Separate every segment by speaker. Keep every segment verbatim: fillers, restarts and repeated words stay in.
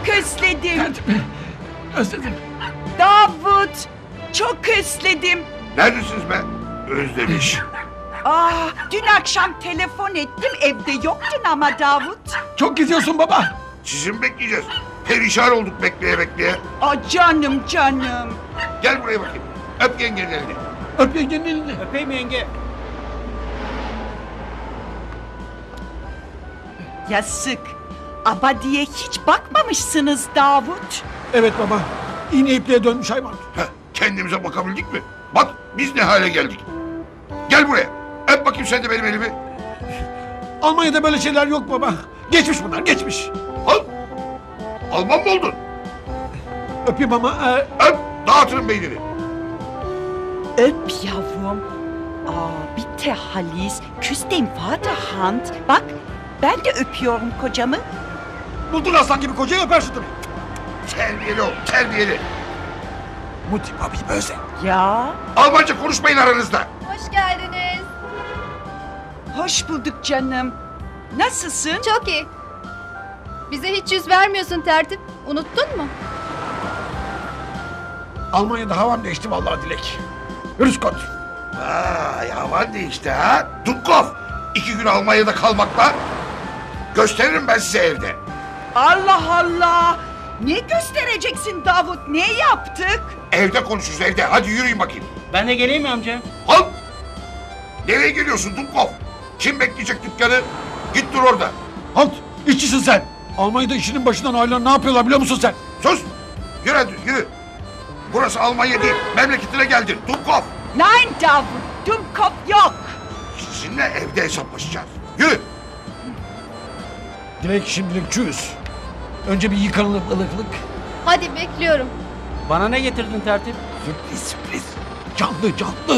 Speaker 1: özledim.
Speaker 2: Tertip. Özledim.
Speaker 1: Davut, çok özledim.
Speaker 3: Neredesiniz be? Özlemiş.
Speaker 1: Aa, dün akşam telefon ettim, evde yoktun ama Davut.
Speaker 2: Çok geziyorsun baba.
Speaker 3: Sizi mi bekleyeceğiz? Perişan olduk bekleye bekleye.
Speaker 1: Aa, canım canım.
Speaker 3: Gel buraya bakayım. Öp yengenin elini.
Speaker 2: Öp yengenin elini.
Speaker 4: Öpeyim yenge.
Speaker 1: Yazık. Abadiye hiç bakmamışsınız Davut.
Speaker 2: Evet baba. İğne ipliğe dönmüş hayvan.
Speaker 3: Heh, kendimize bakabildik mi? Bak biz ne hale geldik. Gel buraya. Öp bakayım sen de benim elimi.
Speaker 2: Almanya'da böyle şeyler yok baba. Geçmiş bunlar, geçmiş.
Speaker 3: Al. Alman mı oldun?
Speaker 2: Öpeyim ama... E,
Speaker 3: Öp. Dağıtırım beynini.
Speaker 1: Öp yavrum. Aa, bitte Halis. Küss dem Vater Hand. Bak, ben de öpüyorum kocamı.
Speaker 2: buldun aslan gibi kocayı öper şu tabii.
Speaker 3: Terbiyeli ol. Terbiyeli.
Speaker 2: Muti abi böyle.
Speaker 1: Ya,
Speaker 3: Almanca konuşmayın aranızda.
Speaker 5: Hoş geldiniz.
Speaker 1: hoş bulduk canım. Nasılsın?
Speaker 5: Çok iyi. Bize hiç yüz vermiyorsun tertip. Unuttun mu?
Speaker 2: Almanya'da havam değişti vallahi Dilek. Rüskot.
Speaker 3: Vay havan değişti ha. Dubkov. İki gün Almanya'da kalmakla gösteririm ben size evde.
Speaker 1: Allah Allah! Ne göstereceksin Davut? Ne yaptık?
Speaker 3: Evde konuşuruz evde. Hadi yürüyün bakayım.
Speaker 4: Ben de geleyim mi amca?
Speaker 3: Al. Nereye geliyorsun Dubkov? Kim bekleyecek dükkanı? Git dur orada.
Speaker 2: Halt! İşçisin sen. Almanya'da işinin başından ayrılan ne yapıyorlar biliyor musun sen?
Speaker 3: Sus. Yürü hadi yürü. Burası Almanya değil. Memleketine geldin. Dubkov.
Speaker 1: Nein Davut, Dumkopf yok.
Speaker 3: Sizinle evde hesaplaşacağız. Yürü.
Speaker 2: Dilek şimdilik çüz. Önce bir yıkanalım ılıklık.
Speaker 5: Hadi bekliyorum.
Speaker 4: Bana ne getirdin tertip?
Speaker 2: Sürpriz sürpriz. Canlı canlı.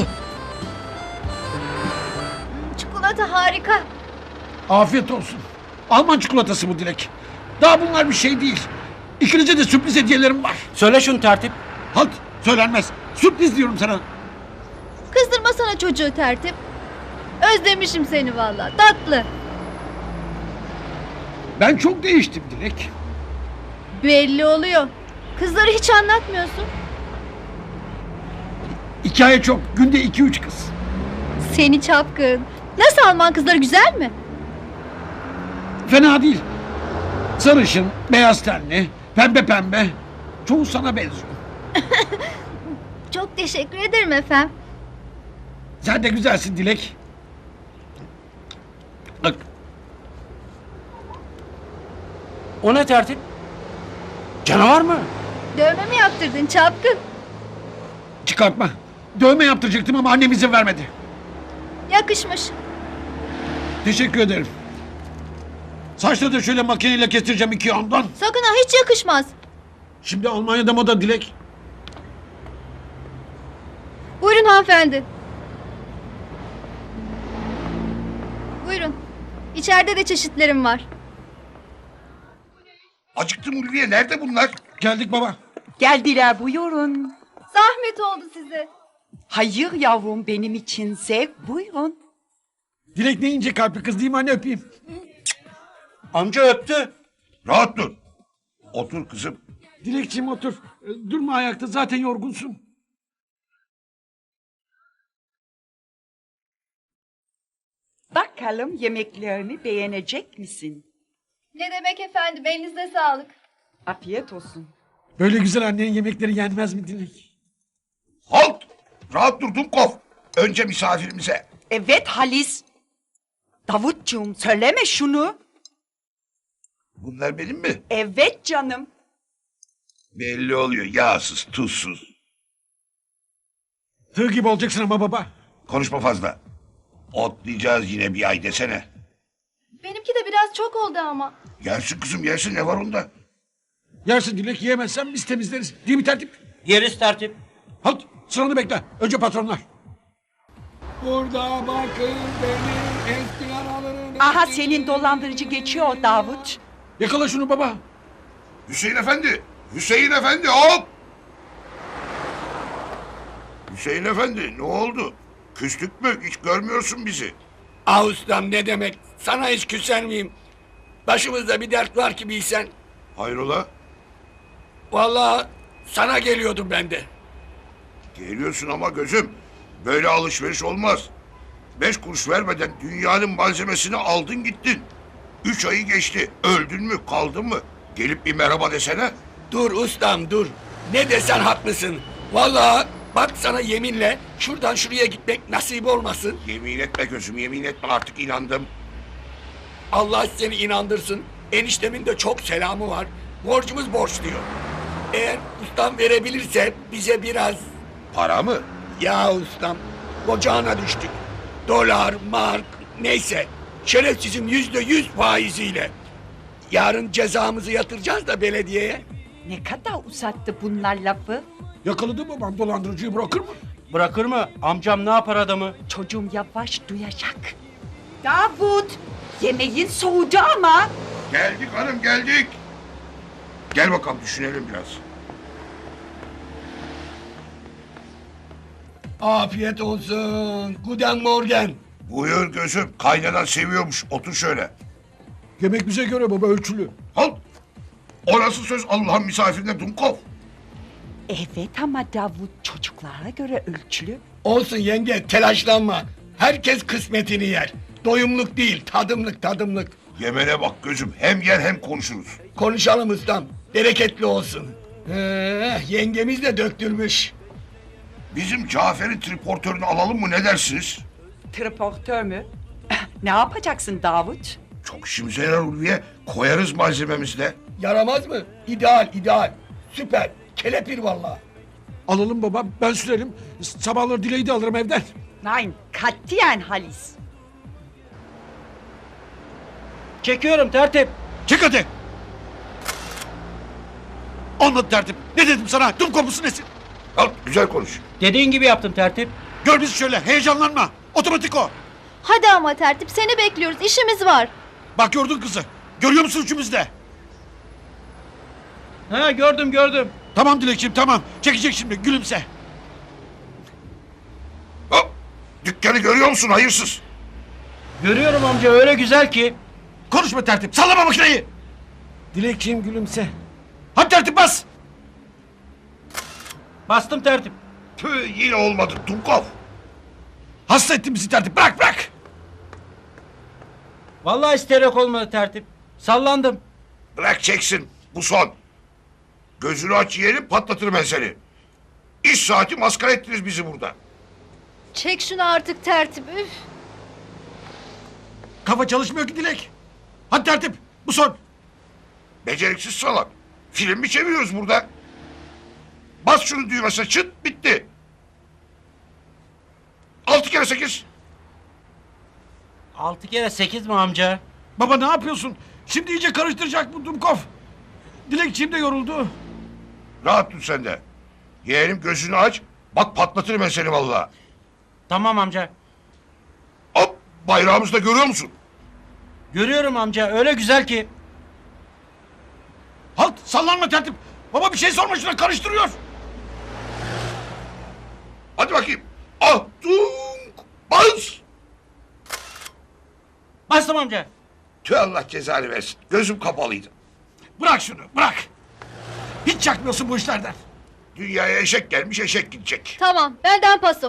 Speaker 5: Çikolata harika.
Speaker 2: Afiyet olsun. Alman çikolatası bu Dilek. Daha bunlar bir şey değil. İkinize de sürpriz hediyelerim var.
Speaker 4: Söyle şunu tertip.
Speaker 2: Halt! Söylenmez. Sürpriz diyorum sana.
Speaker 5: Kızdırma sana çocuğu tertip. Özlemişim seni vallahi. Tatlı.
Speaker 2: Ben çok değiştim Dilek.
Speaker 5: Belli oluyor. Kızları hiç anlatmıyorsun.
Speaker 2: Hikaye çok. Günde iki üç kız.
Speaker 5: Seni çapkın. Nasıl Alman kızları güzel mi?
Speaker 2: Fena değil. Sarışın, beyaz tenli, pembe pembe. Çoğu sana benziyor.
Speaker 5: Çok teşekkür ederim efendim.
Speaker 2: Sen de güzelsin Dilek. Bak,
Speaker 4: O ne tertip? Canavar mı?
Speaker 5: Dövme mi yaptırdın çapkın?
Speaker 2: çıkartma. Dövme yaptıracaktım ama annem izin vermedi.
Speaker 5: Yakışmış.
Speaker 2: Teşekkür ederim. Saçları da şöyle makineyle kestireceğim iki yandan.
Speaker 5: Sakın ha, hiç yakışmaz.
Speaker 2: Şimdi Almanya'da moda Dilek.
Speaker 5: Buyurun hanımefendi. Buyurun. İçeride de çeşitlerim var.
Speaker 3: Acıktım Ulviye. Nerede bunlar?
Speaker 2: Geldik baba.
Speaker 1: Geldiler buyurun.
Speaker 5: Zahmet oldu size.
Speaker 1: Hayır yavrum benim için zevk buyurun.
Speaker 2: Dilek ne ince kalpli kız değil mi anne öpeyim.
Speaker 4: Amca öptü.
Speaker 3: Rahat dur. Otur kızım.
Speaker 2: Dilekçiğim otur. Ee, Durma ayakta zaten yorgunsun.
Speaker 1: Bakalım yemeklerini beğenecek misin?
Speaker 5: Ne demek efendim, elinize sağlık.
Speaker 1: Afiyet olsun.
Speaker 2: Böyle güzel annenin yemekleri yenmez mi Dilek?
Speaker 3: Halt. Rahat dur Dubkov. Önce misafirimize.
Speaker 1: Evet Halis. Davutcuğum söyleme şunu.
Speaker 3: Bunlar benim mi?
Speaker 1: Evet canım.
Speaker 3: Belli oluyor. Yağsız, tuzsuz.
Speaker 2: Tığ gibi olacaksın ama baba.
Speaker 3: Konuşma fazla. Otlayacağız yine bir ay desene.
Speaker 5: Benimki de biraz çok oldu ama.
Speaker 3: Yersin kızım yersin. Ne var onda?
Speaker 2: Yersin Dilek yiyemezsen biz temizleriz. Değil mi tertip?
Speaker 4: Yeriz tertip.
Speaker 2: Halt sıranı bekle. Önce patronlar. Burada bakın benim eski aralarım.
Speaker 1: Aha senin dolandırıcı geçiyor Davut.
Speaker 2: Yakala şunu baba.
Speaker 3: Hüseyin Efendi. Hüseyin Efendi hop. Hüseyin Efendi ne oldu? Küstük mü? Hiç görmüyorsun bizi.
Speaker 6: Ah ustam ne demek? Sana hiç küser miyim? Başımızda bir dert var ki bilsen.
Speaker 3: Hayrola?
Speaker 6: Vallahi sana geliyordum ben de.
Speaker 3: Geliyorsun ama gözüm. Böyle alışveriş olmaz. Beş kuruş vermeden dünyanın malzemesini aldın gittin. Üç ayı geçti. Öldün mü kaldın mı? Gelip bir merhaba desene.
Speaker 6: Dur ustam dur. Ne desen haklısın. Vallahi bak sana yeminle şuradan şuraya gitmek nasip olmasın.
Speaker 3: Yemin etme gözüm, yemin etme, artık inandım.
Speaker 6: Allah seni inandırsın. Eniştemin de çok selamı var. Borcumuz borç diyor. Eğer ustam verebilirse bize biraz...
Speaker 3: Para mı?
Speaker 6: Ya ustam, ocağına düştük. Dolar, mark, neyse. Şerefsizim yüzde yüz faiziyle. Yarın cezamızı yatıracağız da belediyeye.
Speaker 1: Ne kadar uzattı bunlar lafı?
Speaker 2: Yakaladı babam dolandırıcıyı, bırakır mı?
Speaker 4: Bırakır mı? Amcam ne yapar adamı?
Speaker 1: Çocuğum yavaş duyacak. Davut, yemeğin soğudu ama.
Speaker 3: Geldik hanım, geldik. Gel bakalım, düşünelim biraz.
Speaker 6: Afiyet olsun. Guten Morgen.
Speaker 3: Buyur gözüm, kaynanan seviyormuş. Otur şöyle.
Speaker 2: Yemek bize göre baba, ölçülü.
Speaker 3: Al. O nasıl söz Allah'ın misafirine Dumkov?
Speaker 1: Evet ama Davut çocuklara göre ölçülü.
Speaker 6: Olsun yenge, telaşlanma. Herkes kısmetini yer. Doyumluk değil, tadımlık tadımlık.
Speaker 3: Yemene bak gözüm, hem yer hem konuşuruz.
Speaker 6: Konuşalım ustam. Bereketli olsun. Ee, yengemiz de döktürmüş.
Speaker 3: Bizim Cafer'in triportörünü alalım mı, ne dersiniz?
Speaker 1: Transportör mü? Ne yapacaksın Davut?
Speaker 3: Çok işimize yarar Ulviye. Koyarız malzememizle.
Speaker 6: Yaramaz mı? İdeal, ideal. Süper. Kelepir vallahi.
Speaker 2: Alalım baba, ben sürerim. Sabahları Dileği de alırım evden.
Speaker 1: Nein, katiyen Halis.
Speaker 4: Çekiyorum tertip.
Speaker 2: Çık hadi. Anlat tertip. Ne dedim sana? Tüm kopusu nesin?
Speaker 3: Al, güzel konuş.
Speaker 4: Dediğin gibi yaptım tertip.
Speaker 2: Gör bizi şöyle, heyecanlanma. Otomatik o.
Speaker 5: Hadi ama tertip seni bekliyoruz işimiz var.
Speaker 2: Bak gördün kızı. Görüyor musun üçümüzde?
Speaker 4: Ha gördüm gördüm.
Speaker 2: Tamam Dilekçiğim, tamam. Çekecek şimdi, gülümse.
Speaker 3: Hop, dükkanı görüyor musun hayırsız?
Speaker 4: Görüyorum amca öyle güzel ki.
Speaker 2: Konuşma tertip, sallama makineyi. Dilekçiğim gülümse. Hadi tertip bas.
Speaker 4: Bastım tertip.
Speaker 3: Tüh, yine olmadı Dumkov.
Speaker 2: Hasta ettin bizi tertip, bırak bırak.
Speaker 4: Vallahi isterek olmadı tertip. Sallandım.
Speaker 3: Bırak çeksin, bu son. Gözünü aç yiyelim, patlatırım ben seni. İş saati maskara ettiniz bizi burada.
Speaker 5: Çek şunu artık tertip. Üf.
Speaker 2: Kafa çalışmıyor ki Dilek. Hadi tertip, bu son.
Speaker 3: Beceriksiz salak. Film mi çeviriyoruz burada? Bas şunu düğmesine, çıt, bitti. Altı kere sekiz.
Speaker 4: Altı kere sekiz mi amca?
Speaker 2: Baba ne yapıyorsun? Şimdi iyice karıştıracak bu Dumkov. Dilekçiğim de yoruldu.
Speaker 3: Rahat dur sen de. Yeğenim gözünü aç. Bak patlatırım ben seni vallahi.
Speaker 4: Tamam amca.
Speaker 3: Hop, bayrağımızı da görüyor musun?
Speaker 4: Görüyorum amca öyle güzel ki.
Speaker 2: Halt, sallanma tertip. Baba bir şey sorma, şuna karıştırıyor.
Speaker 3: Hadi bakayım. Ah, dunk, bas.
Speaker 4: Bastım amca.
Speaker 3: Tüh, Allah cezanı versin. Gözüm kapalıydı.
Speaker 2: Bırak şunu, bırak. Hiç çakmıyorsun bu işlerden.
Speaker 3: Dünyaya eşek gelmiş, eşek gidecek.
Speaker 5: Tamam benden paso.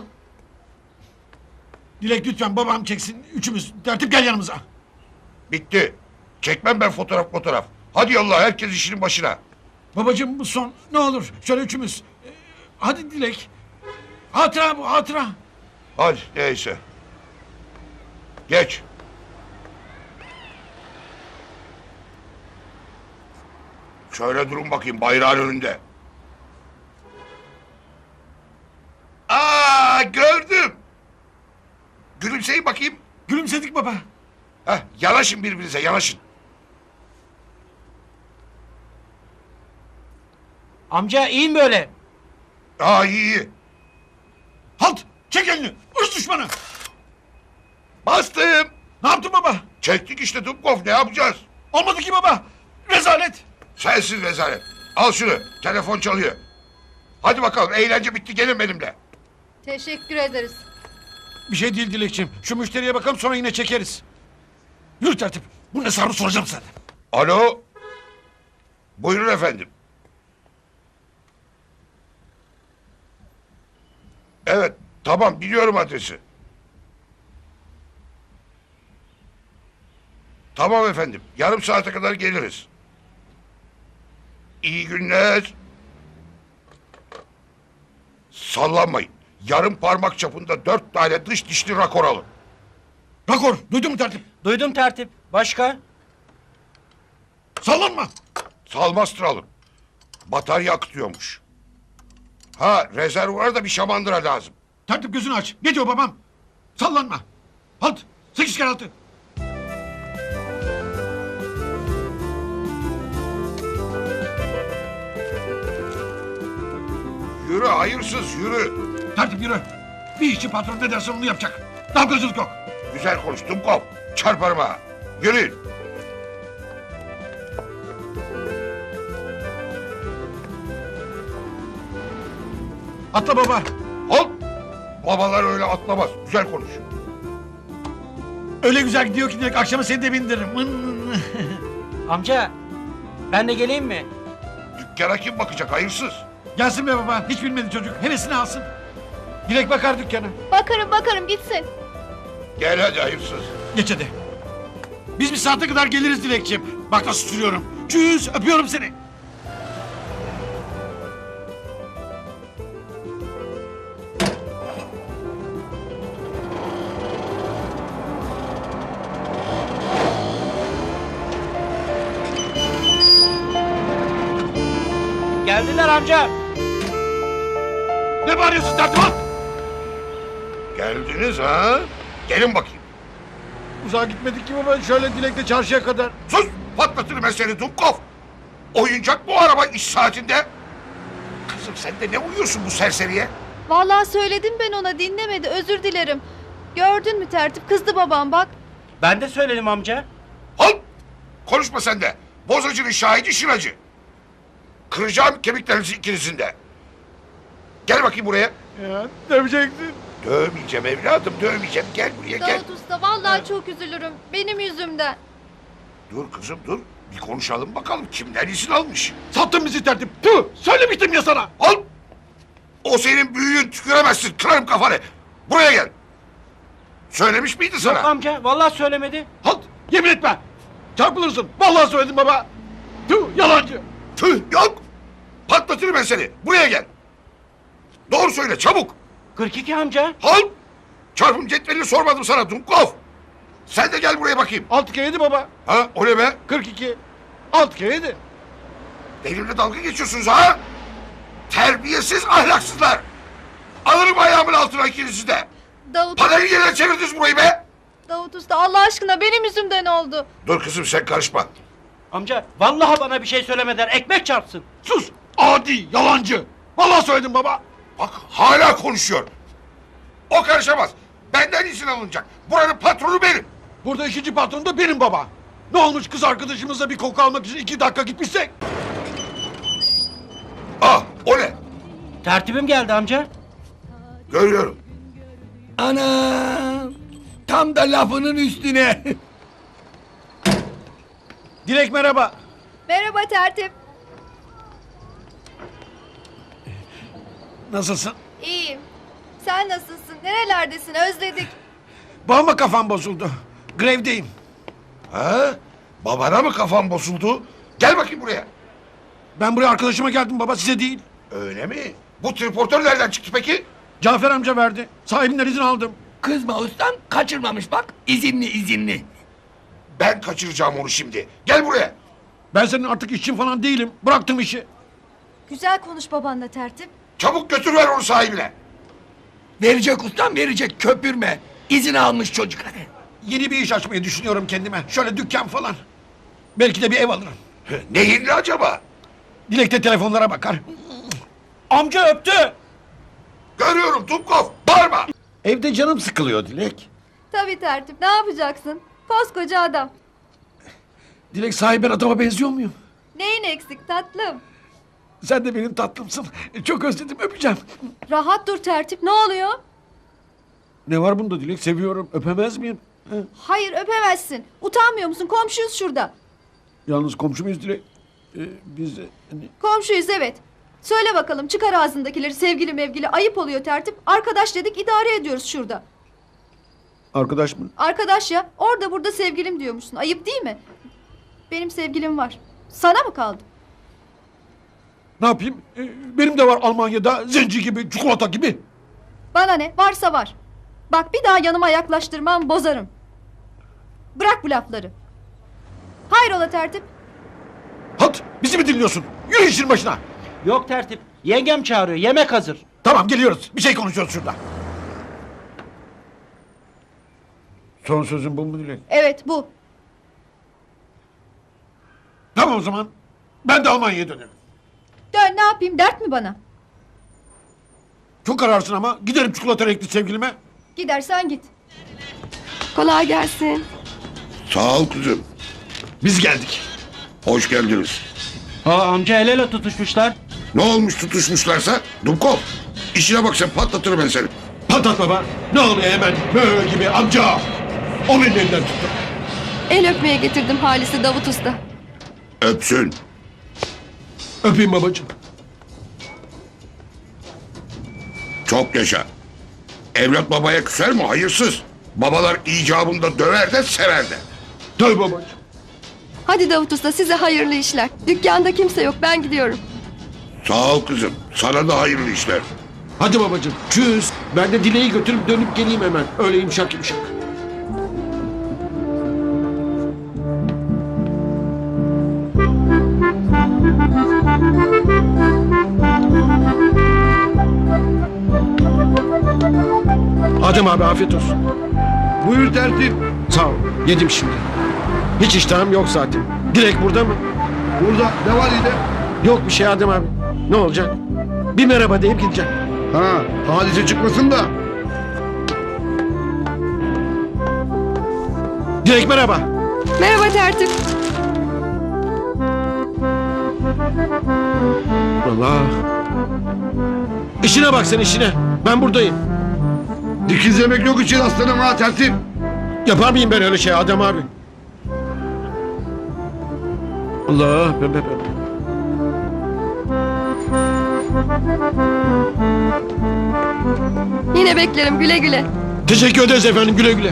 Speaker 2: Dilek lütfen babam çeksin, üçümüz. Tertip gel yanımıza.
Speaker 3: Bitti. Çekmem ben fotoğraf fotoğraf. Hadi yallah, herkes işinin başına.
Speaker 2: Babacığım bu son, ne olur şöyle üçümüz. Ee, hadi Dilek. Hatıra bu, hatıra.
Speaker 3: Hadi neyse. Geç. Şöyle durun bakayım bayrağın önünde. Aa, gördüm. Gülümseyin bakayım.
Speaker 2: Gülümsedik baba.
Speaker 3: Heh, yanaşın birbirinize, yanaşın.
Speaker 4: Amca iyi mi böyle?
Speaker 3: Aa, iyi iyi.
Speaker 2: Halt, çek elini. Irz düşmanı.
Speaker 3: Bastım.
Speaker 2: Ne yaptın baba?
Speaker 3: Çektik işte Dumkov, ne yapacağız?
Speaker 2: Olmadı ki baba. Rezalet.
Speaker 3: Sensiz rezalet. Al şunu, telefon çalıyor. Hadi bakalım, eğlence bitti, gelin benimle.
Speaker 5: Teşekkür ederiz.
Speaker 2: Bir şey değil Dilekçiğim. Şu müşteriye bakalım, sonra yine çekeriz. Yürü tertip. Bunun hesabını soracağım sana.
Speaker 3: Alo. Buyurun efendim. Tamam biliyorum adresi. Tamam efendim. Yarım saate kadar geliriz. İyi günler. Sallanmayın. Yarım parmak çapında dört tane dış dişli rakor alın.
Speaker 2: Rakor duydun mu tertip?
Speaker 4: Duydum tertip. Başka?
Speaker 2: Sallanma.
Speaker 3: Salmastır alın. Batarya akıtıyormuş. Ha rezervuara da bir şamandıra lazım.
Speaker 2: Tertip gözünü aç. Ne diyor babam? Sallanma. Halt. Sekiz kere altı.
Speaker 3: Yürü hayırsız yürü.
Speaker 2: Tertip yürü. Bir işçi patron ne derse onu yapacak. Dalgacılık yok.
Speaker 3: Güzel konuştum kop. Çarparım ha. Yürüyün.
Speaker 2: Atla baba.
Speaker 3: Halt. Babalar öyle atlamaz. Güzel konuş.
Speaker 2: Öyle güzel gidiyor ki direkt akşama seni de bindiririm.
Speaker 4: Amca ben de geleyim mi?
Speaker 3: Dükkana kim bakacak hayırsız?
Speaker 2: Gelsin be baba. Hiç bilmedi çocuk. Hevesini alsın. Dilek bakar dükkana.
Speaker 5: Bakarım bakarım gitsin.
Speaker 3: Gel hadi hayırsız.
Speaker 2: Geç hadi. Biz bir saate kadar geliriz Dilekçim. Bak nasıl sürüyorum. Çüz öpüyorum seni.
Speaker 4: Geldiler amca.
Speaker 2: Ne bağırıyorsun tertip al.
Speaker 3: Geldiniz ha? Gelin bakayım.
Speaker 2: Uzağa gitmedik ki baba. Şöyle Dilek'le çarşıya kadar.
Speaker 3: Sus! Patlatırım ben seni Dumkov. Oyuncak bu araba iş saatinde. Kızım sen de ne uyuyorsun bu serseriye?
Speaker 5: Vallahi söyledim ben ona dinlemedi özür dilerim. Gördün mü tertip kızdı babam bak.
Speaker 4: Ben de söyledim amca.
Speaker 3: Al! Konuşma sen de. Bozacının şahidi şıracı. Kıracağım kemiklerinizi ikinizin de. Gel bakayım buraya.
Speaker 2: Ya döveceksin.
Speaker 3: Dövmeyeceğim evladım, dövmeyeceğim. Gel buraya gel.
Speaker 5: Davut Usta vallahi çok üzülürüm benim yüzümden.
Speaker 3: Dur kızım dur. Bir konuşalım bakalım kimden izin almış.
Speaker 2: Sattın bizi tertip. Tüh söylemiştim ya sana.
Speaker 3: Al! O senin büyüğün tüküremezsin. Kırarım kafanı. Buraya gel. Söylemiş miydi sana?
Speaker 4: Yok amca vallahi söylemedi.
Speaker 2: Halt yemin etme. Çarpılırsın. Vallahi söyledim baba. Tüh yalancı.
Speaker 3: Tüh yok. Patlatırım ben seni. Buraya gel. Doğru söyle çabuk.
Speaker 4: kırk iki amca.
Speaker 3: Halt! Çarpım cetvelini sormadım sana Dumkov. Sen de gel buraya bakayım.
Speaker 2: Altı kere yedi baba.
Speaker 3: Ha o ne be?
Speaker 2: Kırk iki. Altı kere yedi.
Speaker 3: Benimle dalga geçiyorsunuz ha? Terbiyesiz ahlaksızlar. Alırım ayağımın altına ikinizi de.
Speaker 5: Davut,
Speaker 3: Parayı yerine çevirdiniz burayı be.
Speaker 5: Davut Usta Allah aşkına benim yüzümden oldu.
Speaker 3: Dur kızım sen karışma.
Speaker 4: Amca vallahi bana bir şey söylemeden ekmek çarpsın.
Speaker 2: Sus. Adi yalancı. Vallahi söyledim baba.
Speaker 3: Bak hala konuşuyor. O karışamaz. Benden izin alınacak. Buranın patronu benim.
Speaker 2: Burada ikinci patron da benim baba. Ne olmuş kız arkadaşımızla bir koku almak için iki dakika gitmişsek?
Speaker 3: Ah o ne?
Speaker 4: Tertibim geldi amca.
Speaker 3: Görüyorum.
Speaker 6: Ana! Tam da lafının üstüne.
Speaker 2: Dilek merhaba.
Speaker 5: Merhaba tertip.
Speaker 2: Nasılsın?
Speaker 5: İyiyim. Sen nasılsın? Nerelerdesin? Özledik.
Speaker 2: Babama kafam bozuldu. Grevdeyim.
Speaker 3: Ha? Babana mı kafan bozuldu? Gel bakayım buraya.
Speaker 2: Ben buraya arkadaşıma geldim baba size değil.
Speaker 3: Öyle mi? Bu triportör nereden çıktı peki?
Speaker 2: Cafer amca verdi. Sahibinden izin aldım.
Speaker 6: Kızma ustam kaçırmamış bak. İzinli izinli.
Speaker 3: Ben kaçıracağım onu şimdi. Gel buraya.
Speaker 2: Ben senin artık işçin falan değilim. Bıraktım işi.
Speaker 5: Güzel konuş babanla tertip.
Speaker 3: Çabuk götür ver onu sahibine.
Speaker 6: Verecek ustam verecek köpürme. İzin almış çocuk hadi.
Speaker 2: Yeni bir iş açmayı düşünüyorum kendime. Şöyle dükkan falan. Belki de bir ev alırım.
Speaker 3: Neyinli acaba?
Speaker 2: Dilek de telefonlara bakar.
Speaker 4: Amca öptü.
Speaker 3: Görüyorum Dumkov. Bağırma.
Speaker 2: Evde canım sıkılıyor Dilek.
Speaker 5: Tabii tertip ne yapacaksın? Koskoca adam.
Speaker 2: Dilek sahiben adama benziyor muyum?
Speaker 5: Neyin eksik tatlım?
Speaker 2: Sen de benim tatlımsın. Çok özledim öpeceğim.
Speaker 5: Rahat dur tertip ne oluyor?
Speaker 2: Ne var bunda Dilek? Seviyorum. Öpemez miyim? He?
Speaker 5: Hayır öpemezsin. Utanmıyor musun? Komşuyuz şurada.
Speaker 2: Yalnız komşu muyuz Dilek? Ee, biz... e, hani-
Speaker 5: Komşuyuz evet. Söyle bakalım, çıkar ağzındakileri, sevgili mevgili, ayıp oluyor tertip. Arkadaş dedik, idare ediyoruz şurada.
Speaker 2: Arkadaş mı?
Speaker 5: Arkadaş ya, orada burada sevgilim diyormuşsun. Ayıp değil mi? Benim sevgilim var. Sana mı kaldı?
Speaker 2: Ne yapayım? Ee, benim de var Almanya'da zenci gibi, çikolata gibi.
Speaker 5: Bana ne? Varsa var. Bak bir daha yanıma yaklaştırmam, bozarım. Bırak bu lafları. Hayrola tertip?
Speaker 2: Halt! Bizi mi dinliyorsun? Yürü işin başına.
Speaker 4: Yok tertip. Yengem çağırıyor. Yemek hazır.
Speaker 2: Tamam geliyoruz. Bir şey konuşuyoruz şurada. Son sözün bu mu Dilek?
Speaker 5: Evet bu.
Speaker 2: Tamam o zaman. Ben de Almanya'ya dönerim.
Speaker 5: Dön, ne yapayım, dert mi bana?
Speaker 2: Çok kararsın ama giderim çikolata renkli sevgilime.
Speaker 5: Gidersen git.
Speaker 7: Kolay gelsin.
Speaker 3: Sağ ol kızım.
Speaker 2: Biz geldik.
Speaker 3: Hoş geldiniz.
Speaker 4: Aa, amca el ele tutuşmuşlar.
Speaker 3: Ne olmuş tutuşmuşlarsa? Dumkov. İşine bak sen, patlatırım ben seni.
Speaker 2: Patlat baba. Ne oluyor hemen böyle gibi amca. Onun elinden tuttum.
Speaker 7: El öpmeye getirdim Halis'i Davut Usta.
Speaker 3: Öpsün.
Speaker 2: Öpeyim babacığım.
Speaker 3: Çok yaşa. Evlat babaya küser mi? Hayırsız. Babalar icabında döver de sever de.
Speaker 2: Tabii babacığım.
Speaker 7: Hadi Davut Usta size hayırlı işler. Dükkanda kimse yok ben gidiyorum.
Speaker 3: Sağ ol kızım. Sana da hayırlı işler.
Speaker 2: Hadi babacığım. Çüz. Ben de Dileği götürüp dönüp geleyim hemen. Öyle yumuşak yumuşak. Adem abi afiyet olsun.
Speaker 8: Buyur tertip.
Speaker 2: Sağ ol. Yedim şimdi. Hiç iştahım yok zaten. Direkt burada mı?
Speaker 8: Burada ne var yine?
Speaker 2: Yok bir şey Adem abi. Ne olacak? Bir merhaba deyip gideceğim.
Speaker 8: Ha, hadise çıkmasın da.
Speaker 2: Direkt merhaba.
Speaker 7: Merhaba tertip.
Speaker 2: Allah. İşine bak sen işine. Ben buradayım.
Speaker 8: Dikizlemek yok için aslanım ha tertip.
Speaker 2: Yapar mıyım ben öyle şey Adem abi? Allah. Be, be, be.
Speaker 7: Yine beklerim güle güle.
Speaker 2: Teşekkür ederiz efendim güle güle.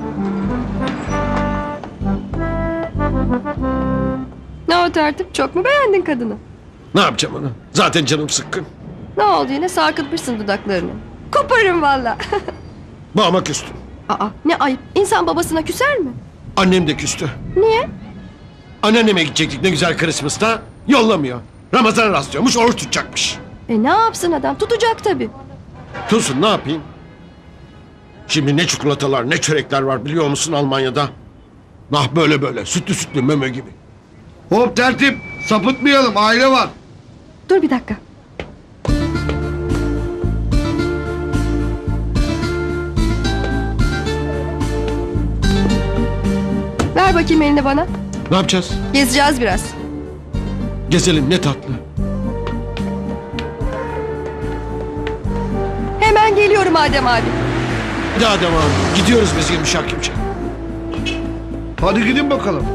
Speaker 7: Ne o tertip çok mu beğendin kadını?
Speaker 2: Ne yapacağım onu? Zaten canım sıkkın.
Speaker 7: Ne oldu yine sarkıtmışsın dudaklarını. Koparırım valla.
Speaker 2: Babama küstüm.
Speaker 7: Aa ne ayıp. İnsan babasına küser mi?
Speaker 2: Annem de küstü.
Speaker 7: Niye?
Speaker 2: Anneanneme gidecektik ne güzel Christmas'ta. Yollamıyor. Ramazan rastlıyormuş oruç tutacakmış.
Speaker 7: E ne yapsın adam tutacak tabii.
Speaker 2: Tutsun ne yapayım? Şimdi ne çikolatalar ne çörekler var biliyor musun Almanya'da? Nah böyle böyle sütlü sütlü meme gibi.
Speaker 8: Hop tertip. Sapıtmayalım, aile var.
Speaker 7: Dur bir dakika. Ver bakayım elini bana.
Speaker 2: Ne yapacağız?
Speaker 7: Gezeceğiz biraz.
Speaker 2: Gezelim ne tatlı.
Speaker 7: Hemen geliyorum Adem abi.
Speaker 2: Hadi Adem abi gidiyoruz biz yumuşak yumuşak.
Speaker 8: Hadi gidin bakalım.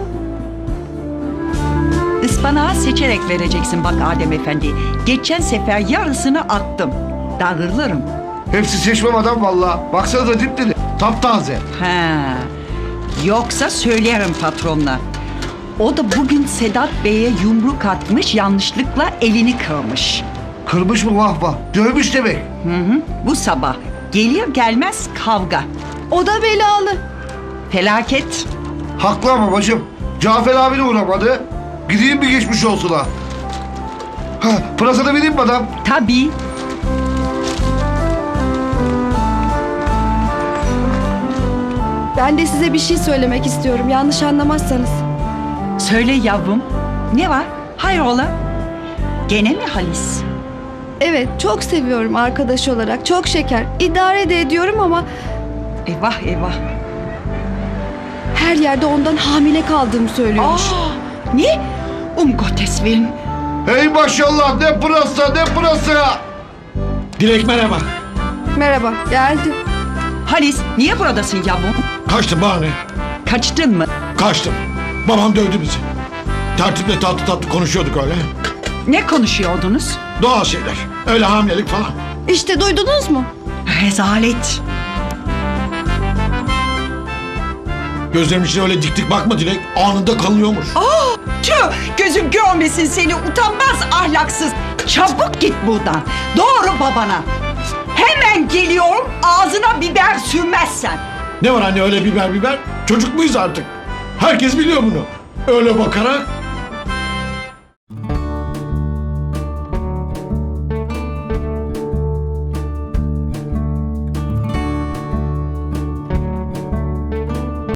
Speaker 1: Ispanağı seçerek vereceksin bak Adem Efendi. Geçen sefer yarısını attım. Darılırım.
Speaker 8: Hepsi seçmem adam valla. Baksanıza dip dedi. Taptaze.
Speaker 1: Ha. Yoksa söylerim patronla. O da bugün Sedat Bey'e yumruk atmış, yanlışlıkla elini kırmış.
Speaker 8: Kırmış mı vah vah. Dövmüş demek.
Speaker 1: Hı hı. Bu sabah gelir gelmez kavga.
Speaker 5: O da belalı.
Speaker 1: Felaket.
Speaker 8: Haklı ama bacım. Cafer abi de uğramadı. Gideyim bir geçmiş olsun ha. Ha, pırasada vereyim mi adam?
Speaker 1: Tabii.
Speaker 5: Ben de size bir şey söylemek istiyorum, yanlış anlamazsanız.
Speaker 1: Söyle yavrum. Ne var? Hayrola? Gene mi Halis?
Speaker 5: Evet, çok seviyorum arkadaş olarak, çok şeker. İdare de ediyorum ama
Speaker 1: Eyvah eyvah.
Speaker 5: her yerde ondan hamile kaldığımı söylüyormuş.
Speaker 1: Aa, ne? Um Gottes Willen.
Speaker 8: Hey maşallah ne pırasa ne pırasa.
Speaker 2: Dilek merhaba.
Speaker 5: Merhaba, geldim.
Speaker 1: Halis niye buradasın yavrum?
Speaker 2: Kaçtım bana ne?
Speaker 1: Kaçtın mı?
Speaker 2: Kaçtım. Babam dövdü bizi. Tertiple tatlı tatlı konuşuyorduk öyle.
Speaker 1: Ne konuşuyordunuz?
Speaker 2: Doğal şeyler. Öyle hamilelik falan.
Speaker 7: İşte duydunuz mu?
Speaker 1: Rezalet.
Speaker 2: Gözlerimin içine öyle dik dik bakma Dilek. Anında kalıyormuş.
Speaker 1: Tüh, gözüm görmesin seni utanmaz ahlaksız. Çabuk git buradan. Doğru babana. Hemen geliyorum ağzına biber sürmezsen.
Speaker 2: Ne var anne öyle biber biber? Çocuk muyuz artık? Herkes biliyor bunu. Öyle bakarak